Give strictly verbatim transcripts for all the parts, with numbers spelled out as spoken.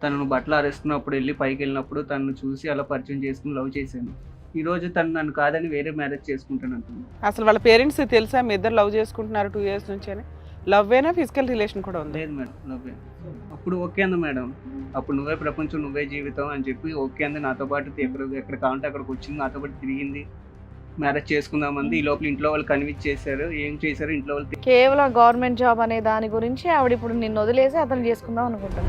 తనను బట్టలు ఆరేస్తున్నప్పుడు ఎళ్లి పైకెళ్ళినప్పుడు తనను చూసి అలా పరిచయం చేసుకొని లవ్ చేశాను. ఈరోజు తను నన్ను కాదని వేరే మ్యారేజ్ చేసుకుంటానంటుంది. అసలు వాళ్ళ పేరెంట్స్ తెలుసా మీ ఇద్దరు లవ్ చేసుకుంటున్నారు టూ ఇయర్స్ నుంచి అని? లవ్వేనా ఫిజికల్ రిలేషన్ కూడా ఉంది? లేదు మేడం, లవ్వే. అప్పుడు ఓకే అంది మేడం. అప్పుడు నువ్వే ప్రపంచం, నువ్వే జీవితం అని చెప్పి ఓకే అంది. నాతో పాటు ఎక్కడ ఎక్కడ కావాలంటే అక్కడికి వచ్చింది, నాతో పాటు తిరిగింది. మ్యారేజ్ చేసుకుందామంది. ఈ లోపల ఇంట్లో వాళ్ళు కన్విన్స్ చేశారు. ఏం చేశారు ఇంట్లో వాళ్ళు తె- కేవలం గవర్నమెంట్ జాబ్ అనే దాని గురించి ఆవిడ ఇప్పుడు నిన్ను వదిలేసి అతను చేసుకుందాం అనుకుంటాను.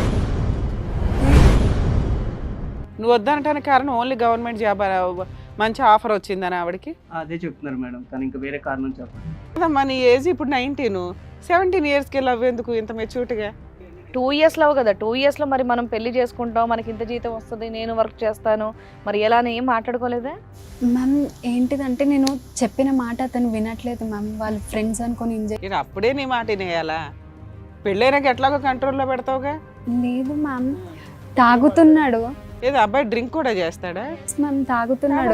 నువ్వు వద్దనటానికి కారణం ఓన్లీ గవర్నమెంట్ జాబ్ మంచి ఆఫర్ వచ్చిందని ఆవిడకి? అదే చెప్తున్నారు మేడం. తను ఇంకా వేరే కారణం చెప్పండి. అదమ్మా నీ ఏజ్ ఇప్పుడు నైన్టీన్, సెవెంటీన్ ఇయర్స్కి లవ్ ఎందుకు ఇంత మెచ్యూరిటీగా? టూ ఇయర్స్ లవ్ కదా, టూ ఇయర్స్ లో మరి మనం పెళ్లి చేసుకుంటాం, మనకి ఇంత జీతం వస్తుంది, నేను వర్క్ చేస్తాను, మరి ఎలా అని ఏం మాట్లాడుకోలేదా? మ్యామ్ ఏంటిదంటే నేను చెప్పిన మాట అతను వినట్లేదు మ్యామ్. వాళ్ళ ఫ్రెండ్స్ అనుకొని ఎంజాయ్. నేను అప్పుడే నీ మాట వినేయాలా? పెళ్ళైనాక ఎట్లాగో కంట్రోల్లో పెడతావుగా? లేదు మ్యామ్, తాగుతున్నాడు ఏదో అబ్బాయి డ్రింక్ కూడా చేస్తాడా? మ్యామ్ తాగుతున్నాడు.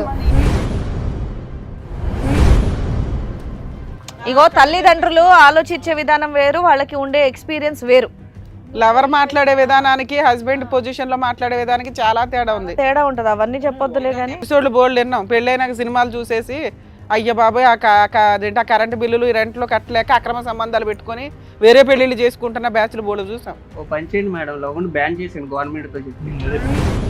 ఇగో తల్లిదండ్రులు ఆలోచించే విధానం వేరు, వాళ్ళకి ఉండే ఎక్స్పీరియన్స్ వేరు. లవర్ మాట్లాడే విధానానికి హస్బెండ్ పొజిషన్ లో మాట్లాడే విధానానికి చాలా తేడా ఉంది. తేడా ఉంటది, అవన్నీ చెప్పొద్దులే కానీ. ఎపిసోడ్లు బోల్డ్ విన్నాం. పెళ్ళైనాక సినిమాలు చూసేసి అయ్య బాబాయ్ ఆ క- క- అదేంటి ఆ కరెంటు బిల్లులు ఈ రెంట్లో కట్టలేక అక్రమ సంబంధాలు పెట్టుకొని వేరే పెళ్లిళ్ళు చేసుకుంటున్న బ్యాచ్లు బోల్డ్ చూసాం. ఓ పని చేయండి మేడం, లవ్ను బ్యాన్ చేశాను గవర్నమెంట్తో చెప్పి.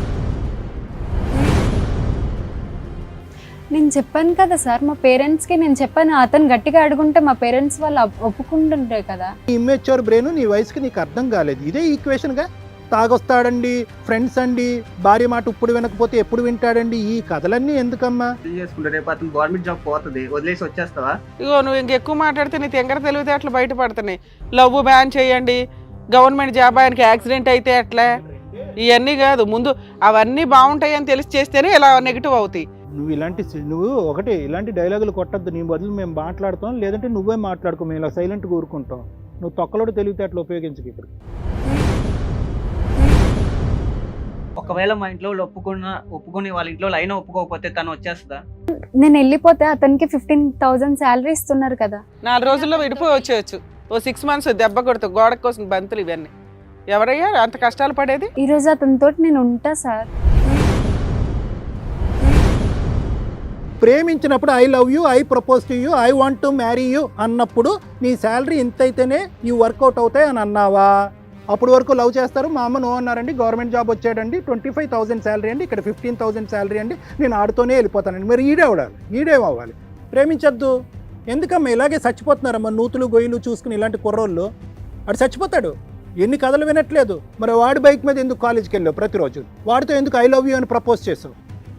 నేను చెప్పాను కదా సార్ మా పేరెంట్స్కి, నేను చెప్పాను అతను గట్టిగా అడుగుంటే మా పేరెంట్స్ వాళ్ళు ఒప్- ఒప్పుకుంటుంటారు కదా. ఇమ్మెచ్యూర్ బ్రెయిన్ నీ వయసుకి నీకు అర్థం కాలేదు. ఇదే ఈక్వేషన్గా తాగొస్తాడండి, ఫ్రెండ్స్ అండి, భార్య మాట ఇప్పుడు వినకపోతే ఎప్పుడు వింటాడండి, ఈ కథలన్నీ ఎందుకమ్మా? పెళ్లి చేసుకుంటే రేపు అతను గవర్నమెంట్ జాబ్ పోతుంది, వదిలేసి వచ్చేస్తావా? ఇగో నువ్వు ఇంకెక్కువ మాట్లాడితే నీ తెంగర తెలివితే అట్లా బయటపడుతున్నాయి. లవ్ బ్యాన్ చేయండి, గవర్నమెంట్ జాబ్ ఆయనకి యాక్సిడెంట్ అయితే ఎట్లా, ఇవన్నీ కాదు. ముందు అవన్నీ బాగుంటాయి అని తెలిసి చేస్తేనే ఇలా నెగిటివ్ అవుతాయి. నువ్వు ఇలాంటి సి- నువ్వు ఒకటి ఇలాంటి డైలాగులు కొట్టద్దు. నీ బదులు మేము మాట్లాడుతాం, లేదంటే నువ్వే మాట్లాడుకో, మేము ఇలా సైలెంట్గా ఊరుకుంటాం. నువ్వు తొక్కలోడు తెలివితే అట్లా ఉపయోగించకు ఇప్పుడు. ఒకవేళ మా ఇంట్లో వాళ్ళు ఒప్పుకున్న ఒప్పుకుని వాళ్ళ ఇంట్లో వాళ్ళు అయినా ఒప్పుకోకపోతే తను వచ్చేస్తుందా? నేను వెళ్ళిపోతే అతనికి ఫిఫ్టీన్ థౌజండ్ శాలరీ ఇస్తున్నారు కదా. నాలుగు రోజుల్లో విడిపోయి వచ్చేయచ్చు. ఓ సిక్స్ మంత్స్ దెబ్బ కొడుతూ గోడ కోసం బంతులు ఇవన్నీ ఎవరయ్యా అంత కష్టాలు పడేది? ఈరోజు అతనితో నేను ఉంటా సార్. ప్రేమించినప్పుడు I love you, I propose to you, I want to marry you అన్నప్పుడు నీ శాలరీ ఇంత అయితేనే ఈ వర్కౌట్ అవుతాయి అని అన్నావా? అప్పుడు వరకు లవ్ చేస్తారు. మా అమ్మ నో అన్నారండి, గవర్నమెంట్ జాబ్ వచ్చాడండి, ట్వంటీ ఫైవ్ థౌసండ్ శాలరీ అండి, ఇక్కడ ఫిఫ్టీన్ థౌసండ్ శాలరీ అండి, నేను ఆడుతూనే వెళ్ళిపోతానండి. మరి ఈడే అవడాలి, ఈడేం అవ్వాలి? ప్రేమించద్దు. ఎందుకమ్మా ఇలాగే చచ్చిపోతున్నారమ్మా నూతులు గొయ్యలు చూసుకుని ఇలాంటి కుర్రోళ్ళు? అడు చచ్చిపోతాడు. ఎన్ని కథలు వినట్లేదు. మరి వాడి బైక్ మీద ఎందుకు కాలేజీకి వెళ్ళావు ప్రతిరోజు? వాడితో ఎందుకు ఐ లవ్ యూ అని ప్రపోజ్ చేసావు?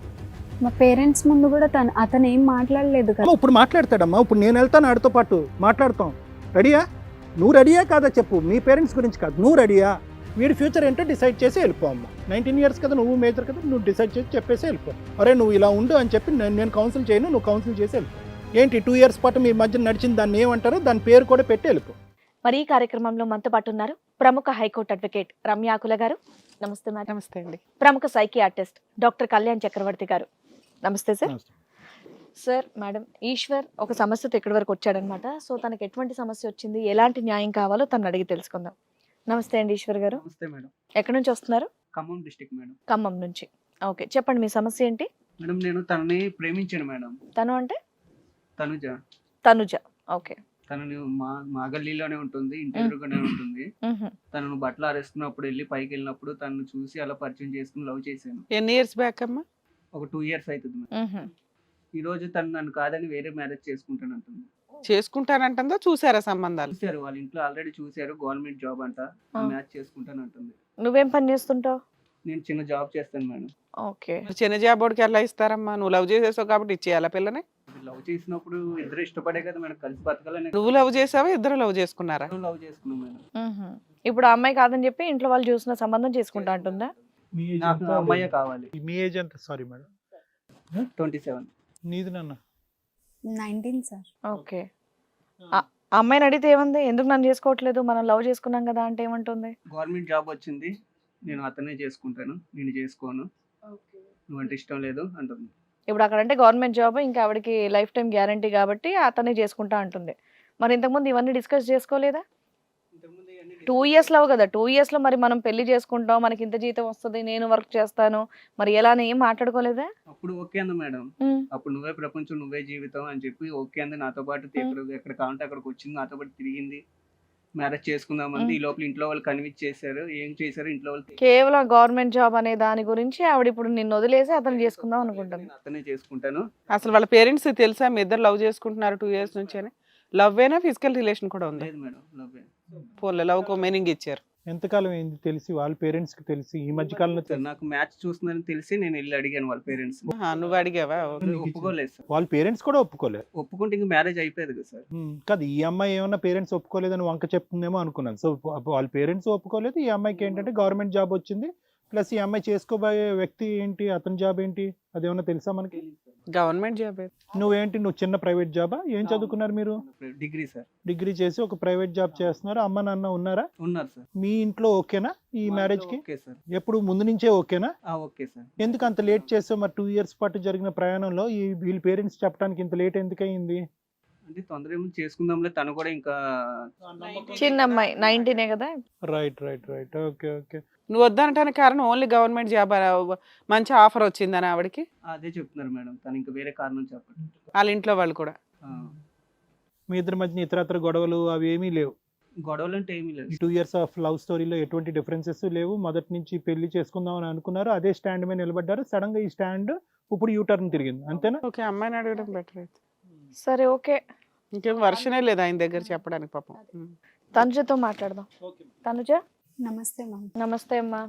మా పేరెంట్స్ ముందు కూడా తను అతను ఏం మాట్లాడలేదు కదా. అమ్మ, ఇప్పుడు మాట్లాడతాడమ్మా. ఇప్పుడు నేను వెళ్తాను ఆడితో పాటు మాట్లాడతాం. రెడీయా? నువ్వు రెడీయా కాదా చెప్పు. మీ పేరెంట్స్ గురించి కాదు, నువ్వు రెడీయా? వీడి ఫ్యూచర్ ఏంటో డిసైడ్ చేసి వెళ్ళిపో అమ్మ. నైన్టీన్ ఇయర్స్ కదా, నువ్వు మేజర్ కదా, నువ్వు డిసైడ్ చేసి చెప్పేసి వెళ్ళిపో. అరే నువ్వు ఇలా ఉండు అని చెప్పి నేను నేను కౌన్సిల్ చేయను, నువ్వు కౌన్సిల్ చేసి వెళ్ళిపో. ఏంటి టూ ఇయర్స్ పాటు మీ మధ్య నడిచింది దాన్ని ఏమంటారో దాని పేరు కూడా పెట్టి వెళ్ళిపో. మరి ఈ కార్యక్రమంలో మనతో పాటు ఉన్నారు ప్రముఖ హైకోర్టు అడ్వకేట్ రమ్యాకుల గారు. నమస్తే మేడం. నమస్తే అండి. ప్రముఖ సైకియాట్రిస్ట్ డాక్టర్ కళ్యాణ్ చక్రవర్తి గారు. నమస్తే సార్. సార్, మేడం ఈశ్వర్ ఒక సమస్యతో ఇక్కడి వరకు వచ్చాడనమాట. సో తనకి ఎటువంటి సమస్య వచ్చింది, ఎలాంటి న్యాయం కావాలో తను అడిగి తెలుసుకుందాం. నమస్తే అండి ఈశ్వర్ గారు. నమస్తే మేడం. ఎక్కడి నుంచి వస్తున్నారు? Khammam district madam. ఖమ్మం నుంచి. ఓకే, చెప్పండి మీ సమస్య ఏంటి? మేడం నేను తనని ప్రేమించాను మేడం. తను అంటే? తనుజ. తనుజ. ఓకే. తనని మా మా గల్లీలోనే ఉంటుంది, ఇంటి ఎదురుగానే ఉంటుంది. మ్హూ. తనను బట్టలు ఆరేస్తున్నప్పుడు వెళ్ళి పైకి వెళ్ళినప్పుడు తనను చూసి అలా పరిచయం చేసుకుని లవ్ చేశాను. ఎన్ని ఇయర్స్ బ్యాక్ అమ్మా? ఒక టూ ఇయర్స్ అవుతుంది మేడం. మ్హూ. ఈ రోజు తను నన్ను కాదని వేరే మ్యారేజ్ చేసుకుంటానంటుంది. చేసుకుంటానంటుందా? చూసారా సంబంధాలు? చూశారు, వాళ్ళ ఇంట్లో ఆల్రెడీ చూశారు. గవర్నమెంట్ జాబ్ అంట, ఆ. మ్యాచ్ చేసుకుంటానంటుంది. నువ్వేం పని చేస్తుంటావు? నేను చిన్న జాబ్ చేస్తాను మేడం. ఓకే. చిన్న జాబోడికి ఎలా ఇస్తారమ్మా? నువ్వు లవ్ చేసేసావు కాబట్టి ఇచ్చేయాలా పిల్లని? లవ్ చేసినప్పుడు ఇద్దరు ఇష్టపడే కదా మేడం, కలిసి బతకాలని. నువ్వు లవ్ చేసావా? ఇద్దరు లవ్ చేసుకున్నారా? లవ్ చేసుకున్నాం మేడం. మ్హూ. ఇప్పుడు ఆ అమ్మాయి కాదని చెప్పి ఇంట్లో వాళ్ళు చూసిన సంబంధం చేసుకుంటా అంటుందా? మీ ఏజ్ నాకు ఎంత? అమ్మాయే కావాలి. మీ ఏజ్ ఎంత? Sorry madam. Twenty seven. నీది నాన్న? Nineteen sir. ఓకే. ఆ ఆ అమ్మాయిని అడిగితే ఏముంది, ఎందుకు నన్ను చేసుకోవట్లేదు, మనం లవ్ చేసుకున్నాం కదా అంటే ఏమంటుంది? గవర్నమెంట్ జాబ్ వచ్చింది, నేను అతనే చేసుకుంటాను, నేను చేసుకోను, నువ్వంటే ఇష్టం లేదు అంటుంది. ఇప్పుడు అక్కడ అంటే గవర్నమెంట్ జాబ్, ఇంకా ఆవిడకి లైఫ్ టైం గ్యారంటీ కాబట్టి అతనే చేసుకుంటా అంటుంది. మరి ఇంతకుముందు ఇవన్నీ డిస్కస్ చేసుకోలేదా? ఇంతకుముందు టూ ఇయర్స్ లో కదా టూ ఇయర్స్ లో మరి మనం పెళ్లి చేసుకుంటాం, మనకి ఇంత జీతం వస్తుంది, నేను వర్క్ చేస్తాను, మరి ఎలా అని ఏం మాట్లాడుకోలేదా? అప్పుడు ఓకే అంది మేడం. ఉమ్, అప్పుడు నువ్వే ప్రపంచం నువ్వే జీవితం అని చెప్పి ఓకే అంది. నాతో పాటు ఎక్కడ ఎక్కడ కావాలంటే అక్కడికి వచ్చింది, నాతో పాటు తిరిగింది, మ్యారేజ్ చేసుకుందామంది. ఈ లోపల ఇంట్లో వాళ్ళు కన్విన్స్ చేశారు. ఏం చేశారు ఇంట్లో వాళ్ళు? కేవలం గవర్నమెంట్ జాబ్ అనే దాని గురించి ఆవిడ ఇప్పుడు నిన్ను వదిలేసి అతను చేసుకుందాం అనుకుంటుంది. నేను అతనే చేసుకుంటాను. అసలు వాళ్ళ పేరెంట్స్ తెలుసా మీ ఇద్దరు లవ్ చేసుకుంటున్నారు టూ ఇయర్స్ నుంచి అని? లవ్ అయినా ఫిజికల్ రిలేషన్ కూడా ఉంది? లేదు మేడం, లవ్వే. ఫోన్లో లవ్ కో మీనింగ్ ఇచ్చారు. ఎంతకాలం ఏంది తెలిసి వాళ్ళ పేరెంట్స్ కి తెలిసి ఈ మధ్య కాలంలో సార్ నాకు మ్యాచ్ చూస్తుందని తెలిసి నేను వెళ్ళి అడిగాను వాళ్ళ పేరెంట్స్. ఆహా, నువ్వు అడిగావా? ఒప్పుకోలేదు సార్. వాళ్ళ పేరెంట్స్ కూడా ఒప్పుకోలేదు. ఒప్పుకుంటే ఇంక మ్యారేజ్ అయిపోయేది కదా సార్. ఉమ్, కాదు ఈ అమ్మాయి ఏమన్నా పేరెంట్స్ ఒప్పుకోలేదని వంక చెప్తుందేమో అనుకున్నాను. సో వాళ్ళ పేరెంట్స్ ఒప్పుకోలేదు, ఈ అమ్మాయికి ఏంటంటే గవర్నమెంట్ జాబ్ వచ్చింది, ప్లస్ ఈ అమ్మాయి చేసుకోబోయే వ్యక్తి ఏంటి, అతని జాబ్ ఏంటి, అదేమన్నా తెలుసా మనకి? Government job. నువ్వేంటి, నువ్వు చిన్న ప్రైవేట్ జాబా? ఏం చదువుకున్నారు మీరు? Degree sir. డిగ్రీ చేసి ఒక ప్రైవేట్ జాబ్ చేస్తున్నారు. అమ్మ నాన్న ఉన్నారా? ఉన్నారు సార్. మీ ఇంట్లో ఓకేనా ఈ మ్యారేజ్ కి? Okay sir. ఎప్పుడు ముందు నుంచే ఓకేనా? ఆ, ఓకే సార్. ఎందుకు అంత లేట్ చేసావు? మరి టూ ఇయర్స్ పాటు జరిగిన ప్రయాణంలో ఈ వీళ్ళ పేరెంట్స్ చెప్పడానికి ఇంత లేట్ ఎందుకు అయింది? అంటే తొందర ఏమో చేసుకుందాంలే, తను కూడా ఇంకా చిన్న అమ్మాయి నైన్టీనే కదా. Right right right okay okay. నువ్వు వద్దనటానికి కారణం ఓన్లీ గవర్నమెంట్ జాబ్ మంచి ఆఫర్ వచ్చిందని ఆవిడకి? అదే చెప్తున్నారు మేడం, తను ఇంకా వేరే కారణం చెప్పండి. వాళ్ళ ఇంట్లో వాళ్ళు కూడా? ఆ, మీ ఇద్దరి మధ్య ఇతరత్ర గొడవలు అవి ఏమీ లేవు? గొడవలు అంటే ఏమీ లేదు. ఈ టూ ఇయర్స్ ఆఫ్ లవ్ స్టోరీలో ఎటువంటి డిఫరెన్సెస్ లేవు. మొదటి నుంచి పెళ్లి చేసుకుందాం అని అనుకున్నారు, అదే స్టాండ్ మీద నిలబడ్డారు. సడన్ గా ఈ స్టాండ్ ఇప్పుడు యూ టర్న్ తిరిగింది, అంతేనా? ఓకే, అమ్మాయిని అడగడం బెటర్ అయితే. సరే ఓకే, ఇంకేం వర్షనే లేదు ఆయన దగ్గర చెప్పడానికి పాపం. ఉమ్. తనుజతో మాట్లాడదాం. తనుజ నమస్తే మ్యామ్. నమస్తే అమ్మా.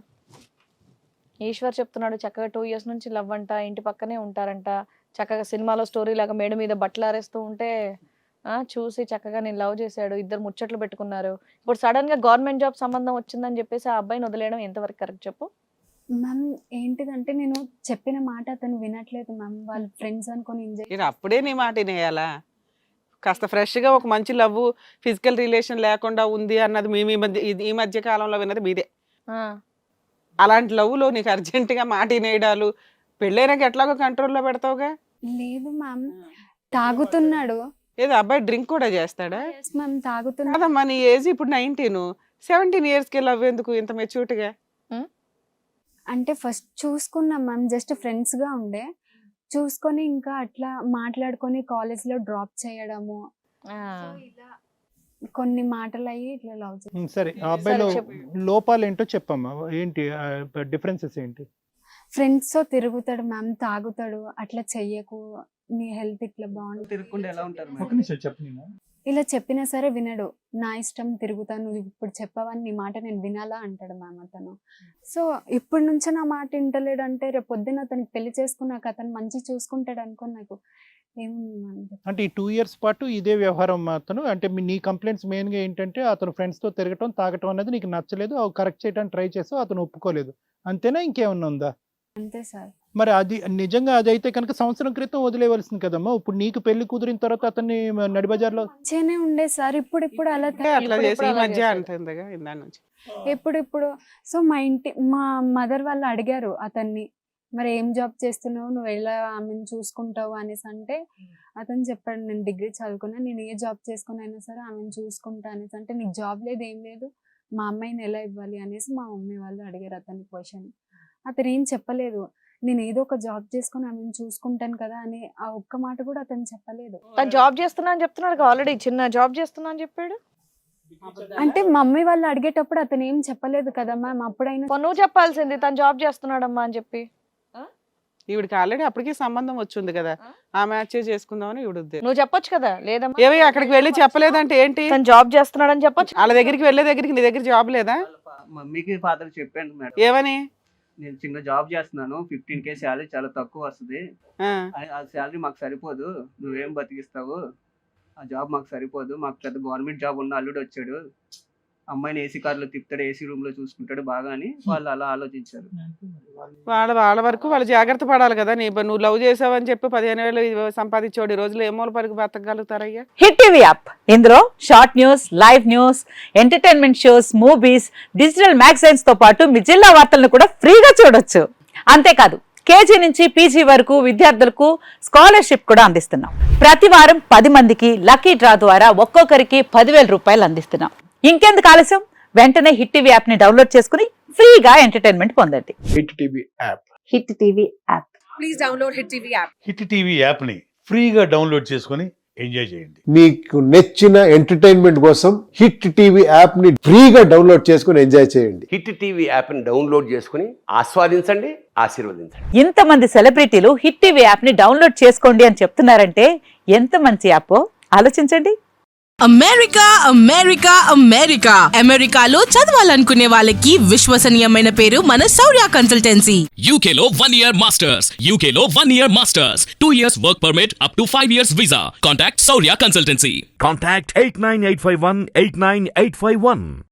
ఈశ్వర్ చెప్తున్నాడు చక్కగా టూ ఇయర్స్ నుంచి లవ్ అంట, ఇంటి పక్కనే ఉంటారంట, చక్కగా సినిమాలో స్టోరీ లాగా మేడ మీద బట్టలు ఆరేస్తూ ఉంటే ఆ చూసి చక్కగా నేను లవ్ చేశాడు, ఇద్దరు ముచ్చట్లు పెట్టుకున్నారు. ఇప్పుడు సడన్ గా గవర్నమెంట్ జాబ్ సంబంధం వచ్చిందని చెప్పేసి ఆ అబ్బాయిని వదిలేయడం ఎంతవరకు కరెక్ట్ చెప్పు? మ్యామ్ ఏంటిదంటే నేను చెప్పిన మాట అతను వినట్లేదు మ్యామ్, వాళ్ళ ఫ్రెండ్స్ అనుకొని ఎంజాయ్. ఇది అప్పుడే నీ మాట వినేయాలా? కాస్త ఫ్రెష్గా ఒక మంచి లవ్ ఫిజికల్ రిలేషన్ లేకుండా ఉంది అన్నది మీ మీ మధ్య ఇది ఈ మధ్య కాలంలో విన్నది మీదే. ఆ, అలాంటి లవ్లో నీకు అర్జెంటుగా మాట వినేయడాలు, పెళ్ళైనాక ఎట్లాగో కంట్రోల్లో పెడతావుగా? లేదు మ్యామ్, తాగుతున్నాడు. ఏదో అబ్బాయి డ్రింక్ కూడా చేస్తాడా? ఎస్ మ్యామ్, తాగుతున్నాడు. కాదమ్మా, నీ ఏజ్ ఇప్పుడు నైన్టీన్, సెవెంటీన్ ఇయర్స్కి లవ్ ఎందుకు ఇంత మెచ్యూర్డ్గా? అంటే ఫస్ట్ చూసుకున్నాం మ్యామ్, జస్ట్ ఫ్రెండ్స్ గా ఉండే, చూసుకొని ఇంకా అట్లా మాట్లాడుకొని కాలేజ్ లో డ్రాప్ చేయడము, ఆ. సో ఇలా కొన్ని మాటలు అయ్యి ఇట్లా లవ్ చేసి. ఉమ్, సరే ఆ అబ్బాయిలో సరే, చెప్పు. లోపాలు ఏంటో చెప్పమ్మా, ఏంటి డిఫరెన్సెస్ ఏంటి? ఫ్రెండ్స్ తో తిరుగుతాడు మ్యామ్, తాగుతాడు, అట్లా చెయ్యకు, నీ హెల్త్ ఇట్లా బాగుంటుంది. తిరగకుండా ఎలా ఉంటారు ఒక మేడం? నిమిషం చెప్పు. ఇలా చెప్పినా సరే వినడు. నా ఇష్టం, తిరుగుతాను, నువ్వు ఇప్పుడు చెప్పవని నీ మాట నేను వినాలా అంటాడు మ్యామ్ అతను. సో ఇప్పటి నుంచే నా మాట వింటలేడు అంటే రేపు పొద్దున్న అతనికి పెళ్లి చేసుకున్నాక అతను మంచి చూసుకుంటాడు అనుకో, నాకు ఏముంది మ్యామ్. అంటే ఈ టూ ఇయర్స్ పాటు ఇదే వ్యవహారం అతను, అంటే మీ- నీ కంప్లైంట్స్ మెయిన్ గా ఏంటంటే అతను ఫ్రెండ్స్ తో తిరగటం తాగటం అనేది నీకు నచ్చలేదు, అవి కరెక్ట్ చేయడానికి ట్రై చేసావు, అతను ఒప్పుకోలేదు, అంతేనా? ఇంకేమన్నా ఉందా? అంతే సార్. మరి అది నిజంగా అది అయితే కనుక సంవత్సరం క్రితం వదిలేవలసింది కదమ్మా. ఇప్పుడు నీకు పెళ్లి కుదిరిన తర్వాత అతన్ని నడిబజార్లో మంచిగానే ఉండే సార్, ఇప్పుడు ఇప్పుడు అలా అంటే అట్లా ఇప్పుడు చేసి ఈ అలా మధ్య చేశాడు. అంటుందిగా ఇందా నుంచి. ఇప్పుడు ఇప్పుడు సో మా ఇంటి మా మదర్ వాళ్ళు అడిగారు అతన్ని, మరి ఏం జాబ్ చేస్తున్నావు, నువ్వు ఎలా ఆమెను చూసుకుంటావు అనేసి అంటే అతను చెప్పాడు, నేను డిగ్రీ చదువుకున్నా, నేను ఏ జాబ్ చేసుకుని అయినా సరే ఆమెను చూసుకుంటా అనేసి అంటే, నీకు జాబ్ లేదు ఏం లేదు, మా అమ్మాయిని ఎలా ఇవ్వాలి అనేసి మా మమ్మీ వాళ్ళు అడిగారు అతని క్వశ్చన్. అతను ఏం చెప్పలేదు, నేను ఏదో ఒక జాబ్ చేసుకుని ఆమెను చూసుకుంటాను కదా అని ఆ ఒక్క మాట కూడా అతను చెప్పలేదు. తను జాబ్ చేస్తున్నా అని చెప్తున్నాడు, ఆల్రెడీ చిన్న జాబ్ చేస్తున్నా అని చెప్పాడు. అంటే మమ్మీ వాళ్ళు అడిగేటప్పుడు అతను ఏం చెప్పలేదు కదా మ్యామ్, అప్పుడైనా పో, నువ్వు చెప్పాల్సింది తను జాబ్ చేస్తున్నాడమ్మా అని చెప్పి. ఈవిడికి ఆల్రెడీ అప్పటికే సంబంధం వచ్చింది కదా, ఆ మ్యాచ్ చేసుకుందామని ఈవిడ ఉద్దేశం. నువ్వు చెప్పొచ్చు కదా, లేదమ్మా ఏవి అక్కడికి వెళ్ళి చెప్పలేదంటే ఏంటి? తను జాబ్ చేస్తున్నాడని చెప్పొచ్చు. వాళ్ళ దగ్గరికి వెళ్ళే దగ్గరికి నీ దగ్గర జాబ్ లేదా? వాళ్ళ ఫా- మమ్మీకి ఫాదర్ చెప్పాను మేడం, ఏమని? నేను చిన్న జాబ్ చేస్తున్నాను, ఫిఫ్టీన్ కే శాలరీ చాలా తక్కువ వస్తుంది, ఆ, ఆ- ఆ శాలరీ మాకు సరిపోదు, నువ్వేం బతికిస్తావు, ఆ జాబ్ మాకు సరిపోదు, మాకు పెద్ద గవర్నమెంట్ జాబ్ ఉన్న అల్లుడు వచ్చాడు, అమ్మాయిని ఏసీ కార్లో తిప్పుతాడు, ఏసీ రూమ్ లో చూసుకుంటాడు బాగా అని వాళ్ళు అలా ఆలోచించారు. వాళ్ళ వాళ్ళ వరకు వాళ్ళు జాగ్రత్త పడాలి కదా. నీ నువ్వు లవ్ చేసావని చెప్పి పదిహేను వేలు సంపాదించోడు ఈ రోజులు ఏమోల పరికి బతకగలుగుతారయ్యా? హిట్ టీవీ యాప్, ఇందులో short news, live news, entertainment shows, movies, digital magazines తో పాటు మీ జిల్లా వార్తలను కూడా ఫ్రీగా చూడొచ్చు. అంతేకాదు కేజీ నుంచి పీజీ వరకు విద్యార్థులకు స్కాలర్షిప్ కూడా అందిస్తున్నాం. ప్రతి వారం పది మందికి లక్కీ డ్రా ద్వారా ఒక్కొక్కరికి పదివేల రూపాయలు అందిస్తున్నాం. ఇంకెందుకు ఆలస్యం, వెంటనే హిట్ టీవీ యాప్ ని డౌన్లోడ్ చేసుకుని ఫ్రీగా ఎంటర్టైన్మెంట్ పొందండి. Hit TV app hit TV app. Hit TV యాప్ని ఫ్రీగా డౌన్లోడ్ చేసుకొని ఎంజాయ్ చేయండి. మీకు నచ్చిన ఎంటర్టైన్మెంట్ కోసం హిట్ టీవీ యాప్ ని ఫ్రీగా డౌన్లోడ్ చేసుకొని ఎంజాయ్ చేయండి. హిట్ టీవీ యాప్ని డౌన్లోడ్ చేసుకుని ఆస్వాదించండి, ఆశీర్వదించండి. ఇంతమంది సెలబ్రిటీలు హిట్ టీవీ యాప్ ని డౌన్లోడ్ చేసుకోండి అని చెప్తున్నారంటే ఎంత మంచి యాప్ ఆలోచించండి. అమెరికా అమెరికా అమెరికా అమెరికాలో చదవాలనుకునే వాళ్ళకి విశ్వసనీయమైన పేరు మన శౌర్య కన్సల్టెన్సీ. యూకేలో వన్ ఇయర్ మాస్టర్స్ యూకేలో one year masters two years work permit up to five years visa. Contact Shaurya consultancy. Contact eight nine eight five one eight nine eight five one.